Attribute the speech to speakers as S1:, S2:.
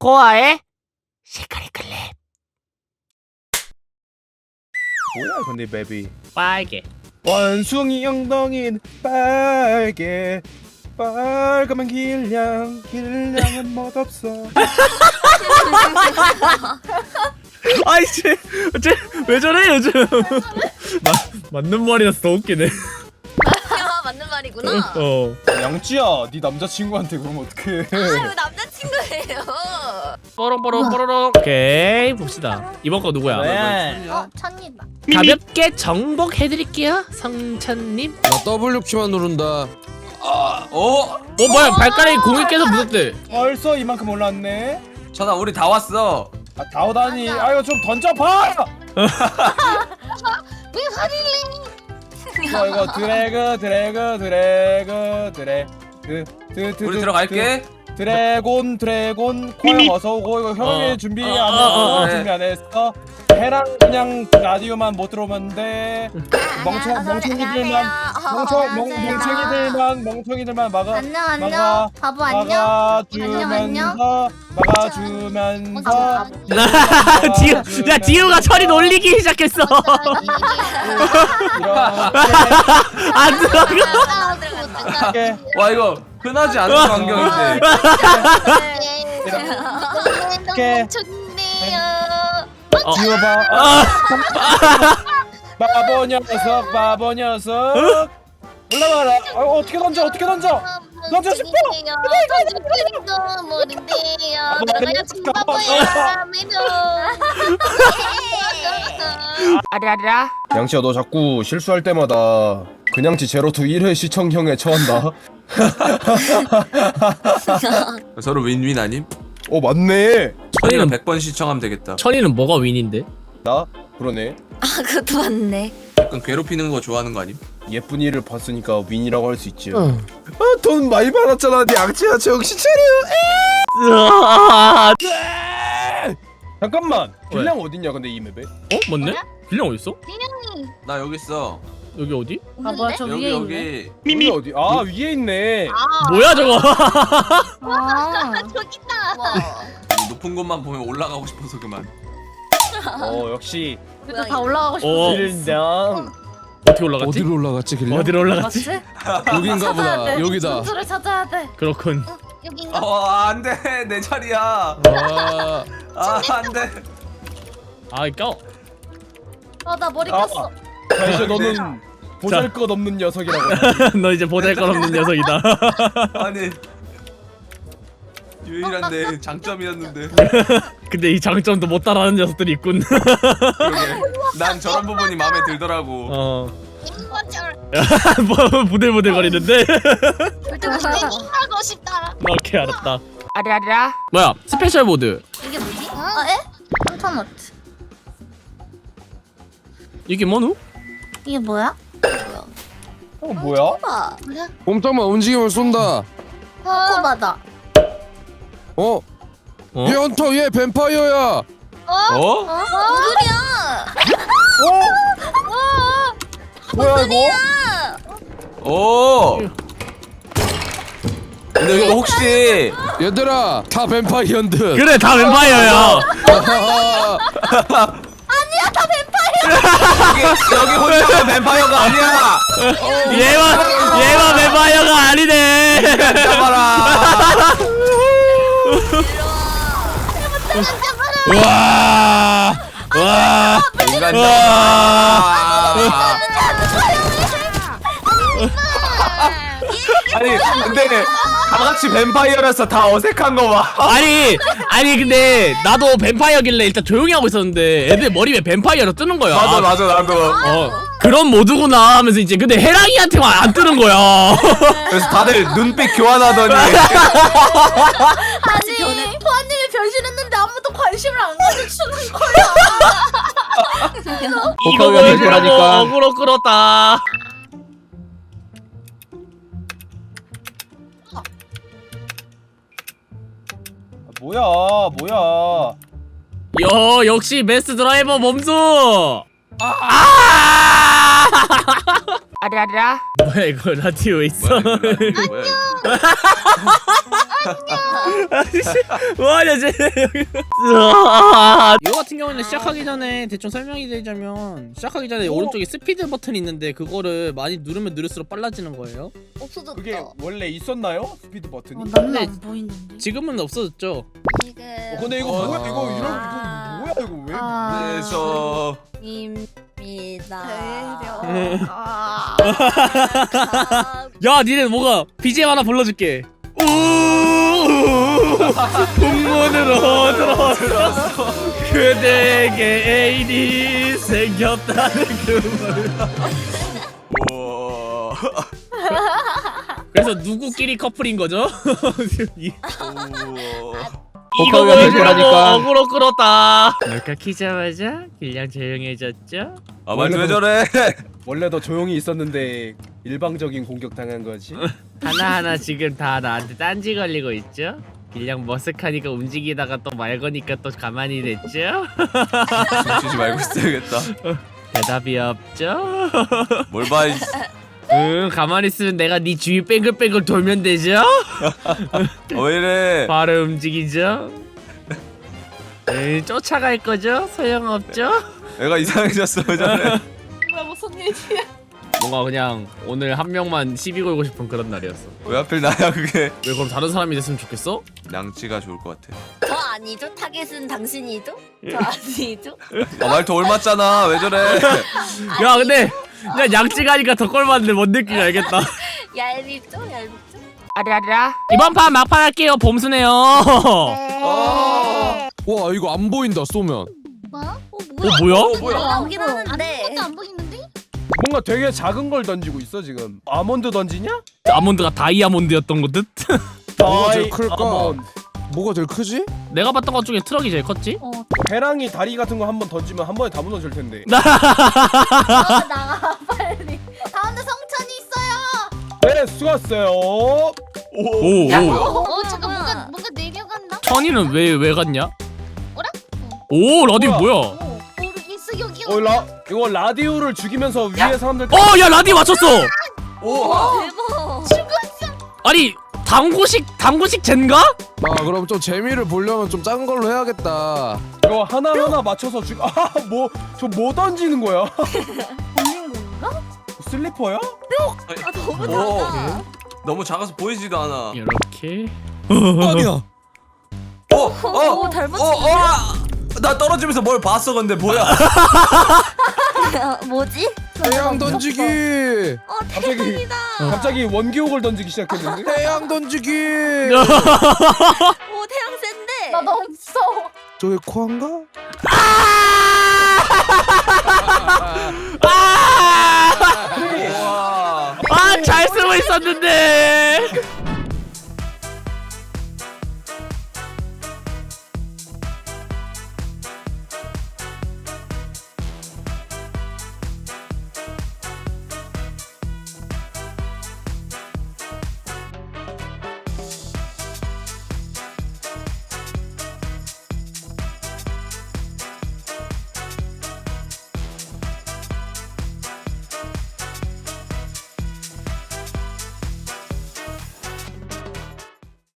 S1: 코아의 시크릿 클립.
S2: 뭐야 근데 맵이
S1: 빨개.
S2: 원숭이 엉덩이는 빨개 빨가면 길냥은 멋없어.
S1: 아이 쟤왜 저래 요즘? 맞는 말이라서 더 웃기네.
S3: 야, 맞는 말이구나.
S2: 양쥐야 네 남자친구한테 그러면 어떡해.
S3: 아유, 남자친구예요.
S1: 뽀롱뽀롱. 오케이 봅시다. 이번 거 누구야?
S2: 네.
S3: 천이다.
S1: 가볍게 정복해드릴게요, 성찬님.
S4: 나 W 키만 누른다.
S1: 뭐야 발가락이 공이 깨서 묻었대.
S2: 벌써 이만큼 올랐네.
S5: 전화 우리 다 왔어.
S2: 아 다 오다니. 아이고 좀 던져봐.
S3: 왜 화를
S2: 이거 드래그
S5: 우리 들어갈게.
S2: 드래곤 코야 어서 오고. 이거 형이 준비 안 했어.
S5: 그래.
S2: 준비 안 했어. 해랑 그냥 라디오만 못 들어오면 돼. 멍청이들만
S3: 안녕. 바보 안녕.
S2: 막아주면서
S1: 지우가 철이 놀리기 시작했어. 안 들어가.
S2: 이렇게
S5: 와 이거 흔하지 않은 광경인데.
S2: 이렇게
S3: 좋네요.
S2: 지워봐. 바보 녀석 올라와라. 어떻게 던져 던져 싶어.
S3: 던져 모른대요. 들어가야지 바보야.
S1: 아라라.
S2: 양치야 너 자꾸 실수할 때마다 그냥치 제로투 1회 시청형에 처한다.
S5: 서로 윈윈 아님?
S2: 맞네.
S5: 천이는 100번 시청하면 되겠다.
S1: 천이는 뭐가 윈인데?
S2: 나 그러네.
S3: 아, 그것도 맞네.
S5: 약간 괴롭히는 거 좋아하는 거 아님?
S2: 예쁜 이를 봤으니까 윈이라고 할 수 있지. 돈 많이 받았잖아. 네 양치야 정신 차려. 잠깐만. 빌랑 어딨냐 근데 이 맵에?
S1: 맞네? 빌랑 어딨어?
S5: 나 여기 있어.
S1: 여기 어디?
S3: 아, 뭐야, 저
S5: 여기
S3: 위에
S5: 여기.
S2: 여기 어디? 위에 있네.
S1: 뭐야 저거?
S3: 저기 있다.
S5: 높은 곳만 보면 올라가고 싶어서 그만.
S2: 역시
S3: 다 올라가고
S1: 어.
S2: 빌랑.
S1: 어떻게 올라갔지?
S4: 어디로 올라갔지 길래?
S1: 어디로 올라갔지?
S4: 여긴가 보다. 여기다.
S3: 줄을 찾아야 돼.
S1: 그렇군.
S3: 여긴가?
S5: 안돼 내 자리야.
S4: 아,
S5: 안돼.
S1: 껴.
S3: 나 머리 꼈어.
S2: 이제 너는 보잘것없는 녀석이라고.
S1: 너 이제 보잘것없는 녀석이다.
S5: 아니 유일한 내 장점이었는데.
S1: 근데 이 장점도 못 따라하는 녀석들이 있군.
S5: 그러게. 난 저런 부분이 마음에 들더라고.
S1: 뭐 부들부들 거리는데.
S3: 하고 싶다.
S1: 오케이 알았다. 아라라. 뭐야 스페셜 모드.
S3: 이게 뭐지? 에? 3,000원.
S1: 이게 뭐누?
S3: 이게 뭐야?
S2: 뭐야?
S3: 뭐야?
S4: 꼼짝마 움직임을 쏜다.
S3: 코코바다.
S4: 어?
S1: 어?
S4: 얘 헌터 얘 뱀파이어야.
S5: 어?
S3: 뭔 소리야?
S2: 뭐야 이거?
S5: 오. 근데 이거 혹시
S4: 얘들아 다 뱀파이어인 듯.
S1: 그래 다 뱀파이어야.
S5: 여기 혼자가 뱀파이어가 아니야.
S1: 얘만 뱀파이어가 아니네.
S5: 잡아라.
S1: 와.
S5: 인간
S1: 와.
S5: 잡아. 아니 근데 다 같이 뱀파이어라서 다 어색한 거 봐.
S1: 아니 근데 나도 뱀파이어길래 일단 조용히 하고 있었는데 애들 머리 왜 뱀파이어로 뜨는 거야.
S5: 맞아 나도.
S1: 그런 모드구나 하면서 이제 근데 해랑이한테만 안 뜨는 거야.
S5: 그래서 다들 눈빛 교환하더니
S3: 아니, 포아님이 변신했는데 아무도 관심을 안 가져주는 거야.
S1: 이거 보여주려고 어그로 끌었다.
S2: 뭐야?
S1: 역시 베스트 드라이버 몸소.
S3: 아라라.
S1: 뭐야 이거 라디오에 있어?
S5: 뭐야?
S1: 뭐하냐 쟤 여기. 이거 같은 경우는 시작하기 전에 대충 설명이 드리자면 시작하기 전에 오른쪽에 스피드 버튼이 있는데 그거를 많이 누르면 누를수록 빨라지는 거예요.
S3: 없어졌다.
S2: 그게 원래 있었나요? 스피드 버튼이?
S3: 나는
S1: 네.
S3: 안 보이는데.
S1: 지금은 없어졌죠.
S3: 지금.
S2: 근데 이거 뭐야 이거 이거 뭐야 이거 왜?
S5: 그래서
S3: 입니다.
S1: 야 니네 뭐가 BGM 하나 불러줄게. 풍문으로 들어서 그대에게 애인이 생겼다는 그 말.
S5: 우와.
S1: 그래서 누구끼리 커플인 거죠? 이거
S2: 복합이 될
S1: 보여주려고
S2: 거라니까.
S1: 어그로 끌었다. 뭘까 키자마자 길냥 조용해졌죠?
S5: 아 말도 왜 저래?
S2: 원래 더 조용히 있었는데 일방적인 공격 당한 거지.
S1: 하나하나 지금 다 나한테 딴지 걸리고 있죠? 길냥 머쓱하니까 움직이다가 또 말 거니까 또 가만히 됐죠?
S5: 쉬지 말고 있어야겠다.
S1: 대답이 없죠?
S5: 뭘 봐? 이
S1: 응 가만히 있으면 내가 네 주위 뺑글뺑글 돌면 되죠?
S5: 왜 이래?
S1: 바로 움직이죠? 응 쫓아갈 거죠? 소용없죠?
S5: 애가 이상해졌어 왜 저래?
S3: 뭐야 무슨 일이야?
S1: 뭔가 그냥 오늘 한 명만 시비 걸고 싶은 그런 날이었어.
S5: 왜 하필 나야 그게?
S1: 왜 그럼 다른 사람이 됐으면 좋겠어?
S5: 양치가 좋을 것 같아.
S3: 저 아니죠? 타겟은 당신이죠? 저 아니죠?
S5: 아 말도 옮았잖아 왜 저래?
S1: 야 근데 야 양치가니까 더 꼴봤는데 뭔 느낌인지 알겠다.
S3: 얄밉죠? 얄밉죠? 아라라.
S1: 이번 판 막판 할게요. 봄수네요.
S3: 네.
S4: 와 이거 안 보인다 쏘면.
S3: 뭐?
S1: 뭐야?
S5: 뭐야?
S3: 나오긴 하는데.
S6: 안 보이는데?
S2: 뭔가 되게 작은 걸 던지고 있어 지금. 아몬드 던지냐?
S1: 아몬드가 다이아몬드였던 거 듯?
S4: 뭐가 제일 클까?
S2: 아몬드.
S4: 뭐가 제일 크지?
S1: 내가 봤던 것 중에 트럭이 제일 컸지?
S2: 배랑이 다리 같은 거 한번 던지면 한 번에 다 무너질 텐데.
S3: 나가 빨리.
S6: 가운데 성찬이 있어요.
S2: 네 수고하셨어요.
S1: 오.
S6: 잠깐 뭔가 내려간다.
S1: 천이는 왜 갔냐?
S6: 어라?
S1: 오 라디 뭐야?
S6: 모르겠어 여기.
S2: 이거 라디오를 죽이면서 위에 사람들.
S1: 야 라디 맞췄어.
S5: 오.
S3: 대박.
S1: 아니 당구식 젠가?
S4: 아 그럼 좀 재미를 보려면 좀 작은 걸로 해야겠다.
S2: 이거 하나 맞춰서 죽. 저 뭐 던지는 거야?
S3: 걸린 건가?
S2: 슬리퍼야?
S3: 아 너무
S5: 오.
S3: 작아.
S5: 너무 작아서 보이지도 않아.
S1: 이렇게.
S4: 아니야.
S3: 오, 잘 맞추네.
S5: 나 떨어지면서 뭘 봤어 근데 뭐야?
S3: 뭐지?
S4: 태양 던지기.
S2: 갑자기 원기옥을 던지기 시작했는데.
S4: 태양 던지기.
S3: 오 태양 센데.
S6: 나 너무 무서워.
S4: 저게 코안가?
S5: 우와.
S1: 잘 쓰고 있었는데.